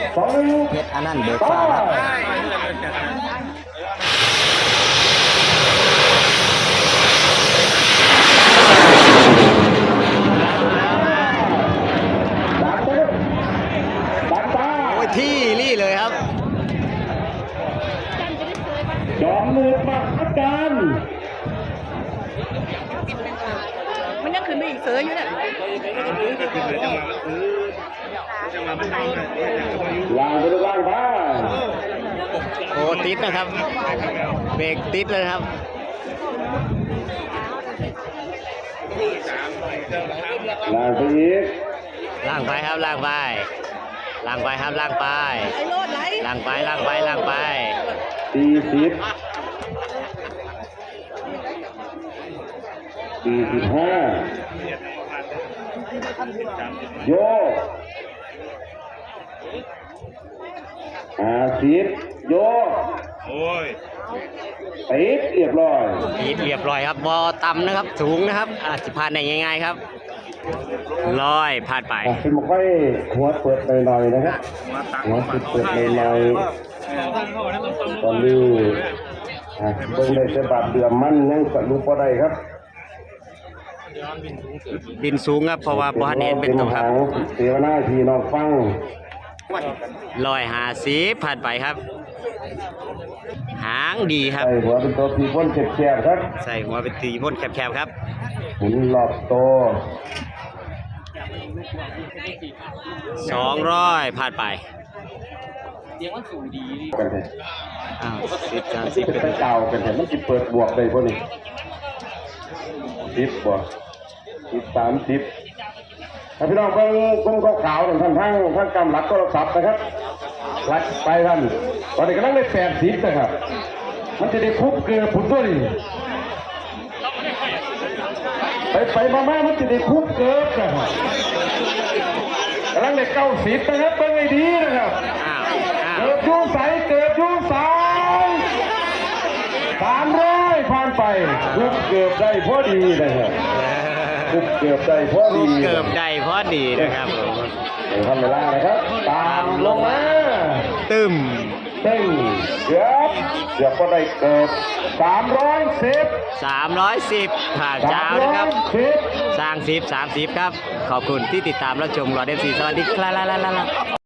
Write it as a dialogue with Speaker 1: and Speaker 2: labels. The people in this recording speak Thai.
Speaker 1: เพชรอนันต์เบิกฟ้าครับโอ้ยที่รี่เลยครับ
Speaker 2: จอมมือมาอาจารย์
Speaker 3: มันยังขึ้นไปอีกเสืออยู่เนี่ย
Speaker 2: วางไปดูล่างบ้าน
Speaker 1: โอ้ติดนะครับเบรกติดเลยครับ
Speaker 2: ล่างไปอีก
Speaker 1: ล่างไปครับล่างไปล่างไปครับล่างไปล่างไปล่างไปล่างไป
Speaker 2: 40 45โยก50โยกโอ้ยติดเรียบร้อย
Speaker 1: ติดเรียบร้อยครับบอต่ำนะครับสูงนะครับสิผ่านได้ง่ายๆครับลอยผ่านไป
Speaker 2: เป็นไม่ค่อยหัวเปิดหน่อยๆนะครับหัวเปิดหน่อยๆตอนนี้เบิ่งได้ฉบับเดือมมันยังสรุปบ่ได้ครับ
Speaker 1: บินสูงครับเพราะว่าบอลเห็นเป็นตัวครับ
Speaker 2: เสียหน้าทีน้องฟัง
Speaker 1: 150ผ่านไปครับหางดีครับ
Speaker 2: ใส่หัวเป็นตัวตีพ่นแคบๆครับ
Speaker 1: ใส่หัวเป็นตีพ่นแคบๆครับ
Speaker 2: หมุนรอบโต
Speaker 1: 200ผ่านไป
Speaker 2: กันเลย
Speaker 1: 10 30
Speaker 2: เป็นเก่ากันเลยมันจะเปิดบวกได้พวกนี้10บวก30ถ้าพี่น้องเพิ่งกุ้งขาวๆท่านทั้งกำลังโทรศัพท์นะครับรัดไปท่านตอนนี้กำลังได้80นะครับมันจะได้คุบเกลือผุนด้วยไปมามันจะได้คุบเกลือนะครับกำลังได้90นะครับเป็นไงดีนะครับเกิดยุ่งใสเกิดยุ่งใส300ผ่านไปคุบเกือบได้พอดีนะครับคุบเกือบได้พอดี
Speaker 1: เกือบได้พอดีนะครับ
Speaker 2: เดี๋ยวทำเวลานะครับตามลงมา
Speaker 1: ตึม
Speaker 2: เกือบก็ได้เกือบ
Speaker 1: 310ผ่านเจ้านะครับสร้าง10 30ครับขอบคุณที่ติดตามรับชมรอเดฟซีสวัสดีครับ